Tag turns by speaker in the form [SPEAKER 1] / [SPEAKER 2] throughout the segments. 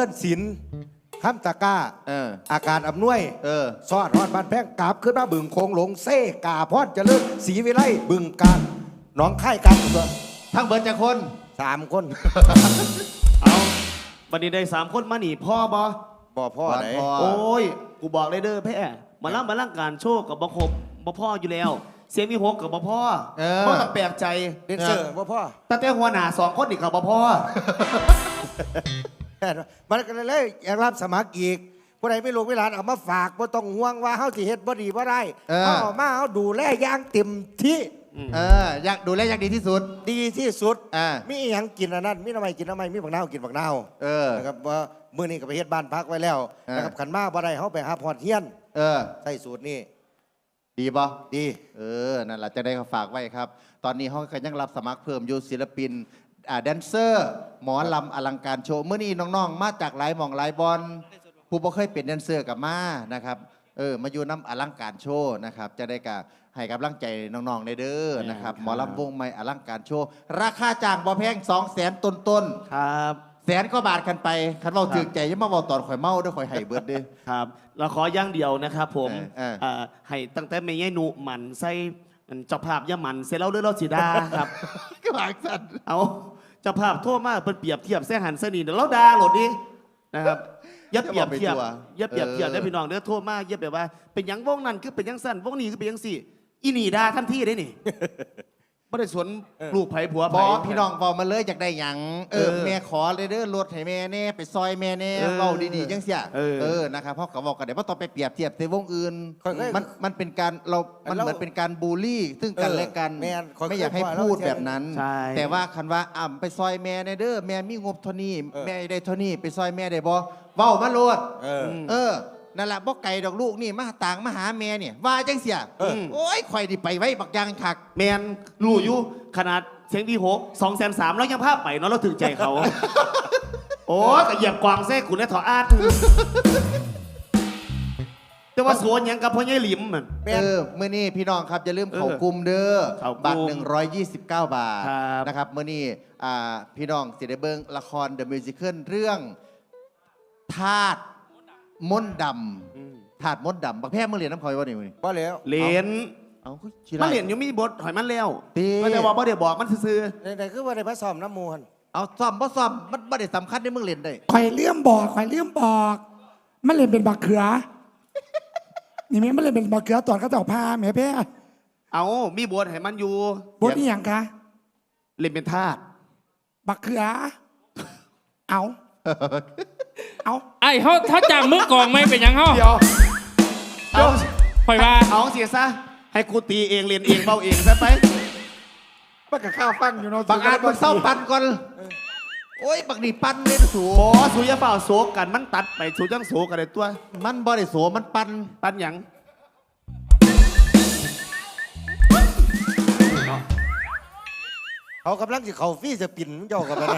[SPEAKER 1] ญศิลป์ห้ามตะก้าอาการอำนวยซอดฮอดบ้านแพงกราบขึ้นมาบึงโคงหลงเซ่กาพอดเจริญศรีวิไลบึงการหนองค่ายกันตัว
[SPEAKER 2] ทั้งเบิร์ดจะคน
[SPEAKER 1] 3 คน
[SPEAKER 3] เอาบัดนี้ได้3 คนมาหนีพ่อบ่
[SPEAKER 1] พ่อไหน
[SPEAKER 3] โอ้ยกูบอกเลยเด้อแพ่มาล่ำการโชว์กับบ่ครบบ่พ่ออยู่แล้วเสียงมีหกกับบ่พ่อบ่ต้องแปลกใจ
[SPEAKER 1] เดนเซอร์บ่พ่อ
[SPEAKER 3] ตั้งแต่หัวหน้า2 คนอีกกับบ่พ่อ
[SPEAKER 1] มันก็เลยอยากรับสมัครอีกผู้ใดไม่ลงเวลาเอามาฝากบ่ต้องห่วงว่าเฮาสิเฮ็ดบ่ดีบ่ได้เอามาเฮาดูแลอย่างเต็มที่
[SPEAKER 2] อยากดูแลอย่างดีที่สุด
[SPEAKER 1] มีอีหยังกินอันนั้นมีน้ำไม้กินน้ำไม้มีบักนาวกินบักนาวนะครับว่ามื้อนี้ก็ไปเฮ็ดบ้านพักไว้แล้วนะครับขันมาบ่ได้เฮาไปหาพอดเฮียนใส่สูตรนี้
[SPEAKER 2] ดีป่ะ
[SPEAKER 1] ดี
[SPEAKER 2] นั่นแหละจะได้ฝากไว้ครับตอนนี้เขาก็ยังรับสมัครเพิ่มอยู่ศิลปินแดนเซอร์หมอลำอลังการโชว์เมื่อนี้น้องๆมาจากหลายหม่องหลายบอลผู้บ่เคยเป็นแดนเซอร์กับมานะครับมาอยู่น้ำอลังการโชว์นะครับจะได้กับให้กำลังใจน้องๆในเด้อนะครับหมอลำวงใหม่อลังการโชว์ราคาจ้างบ่แพง200,000ต้น
[SPEAKER 3] ครับ
[SPEAKER 2] 100,000 กว่าบาทกันไปคันเราถือใจยังมาบอกตอนข่อยเมาด้วยข่อยให้เบิดดิ
[SPEAKER 3] ครับเราขอย่างเดียวนะครับผมให้ตั้งแต่ไม่ใช่หนูหมันใส่เจ้าภาพย่าหมันเสร็จแล้วเรื่องเราสีดาครับ
[SPEAKER 2] ก็บางสัน
[SPEAKER 3] เอาเจ้าภาพโทษมากเป็นเปรียบเทียบแซ่หันเสนีเดี๋ยวเราด่าหลดดินะครับยับเปรียบเทียบได้พี่น้องเด้อโทษมากยับแบบว่าเป็นยังวงนั้นคือเป็นยังสั้นวงนี้คือเป็นยังสี่อีนี่ด่าทันทีได้นี่ไม่ได้สวนลูกไผ่ผัวไผ่
[SPEAKER 2] พี่น้องบอกมาเลยอยากได้หยังแม่ขอเลยเด้อรถให้แม่แน่ไปซอยแม่แน่เบาดีๆจังเสียนะครับเพราะเขาบอกกันเดี๋ยวว่าต้องไปเปรียบเทียบในวงอื่นมันเป็นการมันเหมือนเป็นการบูลลี่ซึ่งกันและกันไม่อยากให้พูดแบบนั้นแต่ว่าคันว่าไปซอยแม่แน่เด้อแม่มีงบเท่านี้แม่ได้เท่านี้ไปซอยแม่ได้บ่เว้ามาโลดนั่นแหละบอกไก่ดอกลูกนี่มาต่างมาหาแม่เนี่ยว่าจังเสียโอ้ยข่อยดิไปไว้บักยางคัก
[SPEAKER 3] แมนรู้อยู่ขนาดเสียงที่6 230,000แล้วยังภาพไปเนาะเราถึงใจเขาโอ้ยก็เหยียบกวางเส้ขุนและถออาดแต่ว่าสวนยังกับพ่อใหญ่หลิมมัน
[SPEAKER 2] เมื่อนี้พี่น้องครับอย่าลืมเขากลุ่มเด้อบัตร129 บาทนะครับเมื่อนี้พี่น้องสิได้เบิ่งละคร The Musical เรื่องธาตุมนต์ดำถาดมนต์ดำบักแพ้เมื่อเรียนน้ำคอยวะนี่มึง
[SPEAKER 1] บ่แล้ว
[SPEAKER 3] เรียนมันเรียนยังมีบทหอยมันแล้วไม่ได้บอกบ่ได้บอกมันซื่อ
[SPEAKER 1] แต่คือว่าได้มาซ้อมน้ำมูล
[SPEAKER 2] เอาซ้อมบ่ซ้อมมันบ่ได้สำคัญในมึงเรียนได้
[SPEAKER 4] ข่อยเลื่อมบอกมันเรียนเป็นบักเขือนี่แม่มันเรียนเป็นบักเขือตอนเขาเจ้าพาแม่แพ้
[SPEAKER 3] เอามีบทให้มันอยู่
[SPEAKER 4] บทนี่อย่างคะ
[SPEAKER 3] เรียนเป็นทาส
[SPEAKER 4] บักเขือเอา
[SPEAKER 5] ไอ้เขาจำมือกองไม่เป็นยังเขา
[SPEAKER 3] เดี๋ยว
[SPEAKER 5] ปล่อยว่า
[SPEAKER 3] เอาเสียซะให้กูตีเองเรียนเองเบาเองซะไป
[SPEAKER 1] บักกับข้าวฟังอยู่เนาะ
[SPEAKER 2] บักอาจบักเศร้าปันก่อนโอ้ยบักนี่ปันเลยสู
[SPEAKER 3] โอ้สูยาเปล่าโศกกันมันตัดไปสูจังโศกันเลยตัว
[SPEAKER 2] มันบ่ได้โศมันปัน
[SPEAKER 3] หยัง
[SPEAKER 1] เขากำลังจะเขาฟี่จะปิ่นเจ้ากันไป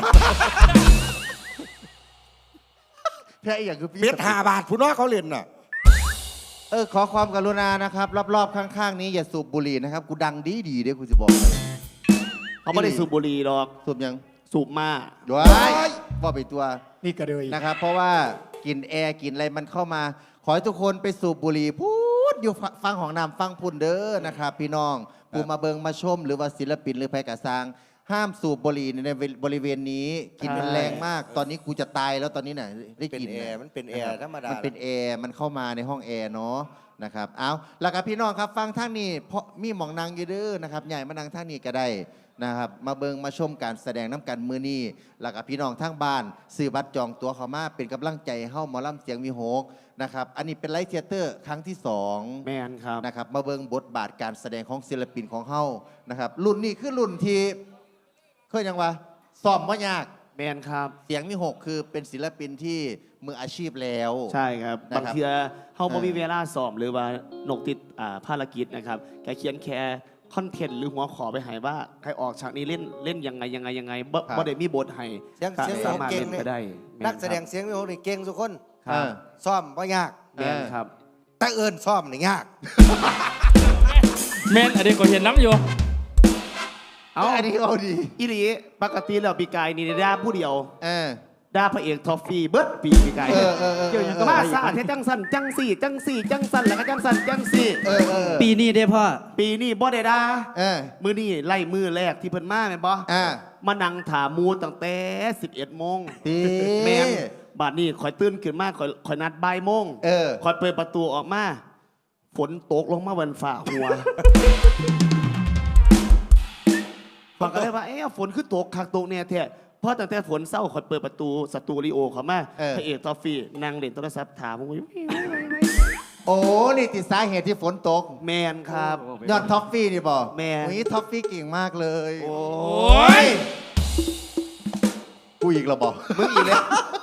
[SPEAKER 2] แค่อย่างคือ
[SPEAKER 1] เม็ด5 บาทผู้น้อยเขาเรียนน่ะ
[SPEAKER 2] ขอความกรุณานะครับรอบๆข้างๆนี้อย่าสูบบุหรี่นะครับกูดังดีเด้กูจะบอก
[SPEAKER 3] เขาไม่ได้สูบบุหรี่หรอก
[SPEAKER 2] สูบยัง
[SPEAKER 3] สูบมา
[SPEAKER 2] ด้วยบอกไปตัว
[SPEAKER 4] นี่กระเดย
[SPEAKER 2] นะครับเพราะว่ากินแอร์กินอะไรมันเข้ามาขอให้ทุกคนไปสูบบุหรี่พูดอยู่ฟังของน้ำฟังพุ่นเด้อนะครับพี่น้องปูมาเบิงมาชมหรือว่าศิลปินหรือไพกระซังห้ามสูบบุหรี่ในบริเวณนี้กินมันแรงมากตอนนี้กูจะตายแล้วตอนนี้น่ะได้กิน
[SPEAKER 1] แอร์มันเป็นแอร์ธรรมดา
[SPEAKER 2] มันเป็นแอร์มันเข้ามาในห้องแอร์เนาะนะครับเอาแล้วกับพี่น้องครับฟังทางนี้เพราะมีหมองนางอยู่เด้อนะครับใหญ่มานั่งทางนี้ก็ได้นะครับมาเบิงมาชมการแสดงน้ำกันมือนี้แล้วกับพี่น้องทางบ้านซื้อบัตรจองตั๋วเข้ามาเป็นกำลังใจเฮ้าหมอลำเสียงมีโฮกนะครับอันนี้เป็นไลฟ์เธียเตอร์ครั้งที่2
[SPEAKER 3] แมนครับ
[SPEAKER 2] นะครับมาเบิงบทบาทการแสดงของศิลปินของเฮ้านะครับรุ่นนี้คือรุ่นที่เคยยังวะซ้อมว่ายาก
[SPEAKER 3] แมนครับ
[SPEAKER 2] เสียงมี6คือเป็นศิลปินที่มืออาชีพแล้ว
[SPEAKER 3] ใช่ครับบางทีเฮาบ่มีเวลาซ้อมหรือว่านกติดภารกิจนะครับแกเขียนแค่คอนเทนต์หรือหัวขอไปให้ว่าใครออกฉากนี้เล่นยังไงบ่ได้มีบทให้
[SPEAKER 1] สามารถเล่นไปได้นักแสดงเสียงมีโหนี่เก่งทุกคนซ้อมว่ายาก
[SPEAKER 3] แมนครับ
[SPEAKER 1] แต่เอิญซ้อมนี่ยาก
[SPEAKER 5] แมนอันนี้ก็เห็นน้ำอยู่
[SPEAKER 2] อันนี้เอาดี
[SPEAKER 3] อีหลีปกติแล้วปีกายนี่ได้ผู้เดียวด่าพระเอกทอฟฟี่เบิร์ดปีไก่เกี่ยวอย่างกับมาซาเทจังสันจังสี่จังสี่จังสันแล้วก็จังสันจังสี่
[SPEAKER 6] ปีนี้ได้พ่อ
[SPEAKER 3] ปีนี้บ่ได้ด่ามือนี่ไล่มือแรกที่เพิ่นมาแม่นบ่มานั่งถามมูตั้งแต่11 โมงแม่นบาดนี้ข่อยตื่นขึ้นมาข่อยนัดบ่ายโมงข่อยเปิดประตูออกมาฝนตกลงมาบนฝ่าหัวฟังก็เลยว่าฝนคือตกคักตกเนี่ยแท้เพราะตั้งแต่ฝนเศร้าข่อยเปิดประตูสตูดิโอเขามาพระเอกทอฟฟี่นั่งเล่นโทรศัพท์ถามผมว่า
[SPEAKER 2] โอ้นี่ติดสาเหตุที่ฝนตก
[SPEAKER 3] แมนครับ
[SPEAKER 2] ยอดท็อฟฟี่นี่บอก
[SPEAKER 3] แมน
[SPEAKER 2] นี่ท็อฟฟี่เก่งมากเลย
[SPEAKER 3] โอ้ย
[SPEAKER 2] กูอีกแล้วบอก
[SPEAKER 3] มึงอีกแล้ว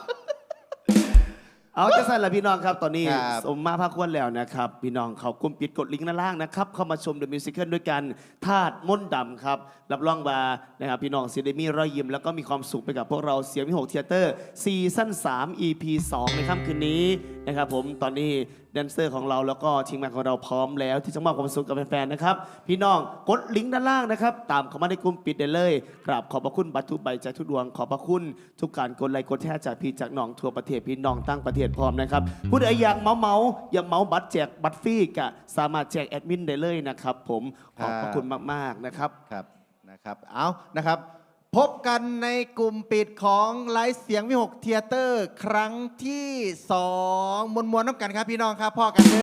[SPEAKER 3] เอาจะสั่นละพี่น้องครับตอนนี้
[SPEAKER 2] ครับ
[SPEAKER 3] สมมาภาคควรแล้วนะครับพี่น้องเขากลุ่มปิดกดลิงก์ด้านล่างนะครับเข้ามาชม The Musical ด้วยกันธาตุมนต์ดำครับรับรองว่านะครับพี่น้องซีเดมีรอยยิ้มแล้วก็มีความสุขไปกับพวกเราเสียงวิหกเทเตอร์ซีซั่น3 EP 2ในค่ำคืนนี้นะครับผมตอนนี้แดนเซอร์ของเราแล้วก็ทีมงานของเราพร้อมแล้วที่จะมอบความสุขกับแฟนๆนะครับพี่น้องกดลิงก์ด้านล่างนะครับตามเข้ามาในกลุ่มปิดได้เลยกราบขอบพระคุณบัตรทุกใบใจทุกดวงขอบพระคุณทุกการกดไลค์กดแชร์จากพี่จากน้องทั่วประเทศพี่น้องตั้งประเทศพร้อมนะครับผู้ใดอยากเมาอยากเมาบัตรแจกบัตรฟรีก็สามารถแจกแอดมินได้เลยนะครับผมขอบพระคุณมากๆนะครับ
[SPEAKER 2] ครับนะครับเอานะครับ พบกันในกลุ่มปิดของไลฟ์เสียงวิหกเทเตอร์ครั้งที่2มวลๆน้ำกันครับพี่น้องครับพ่อกัน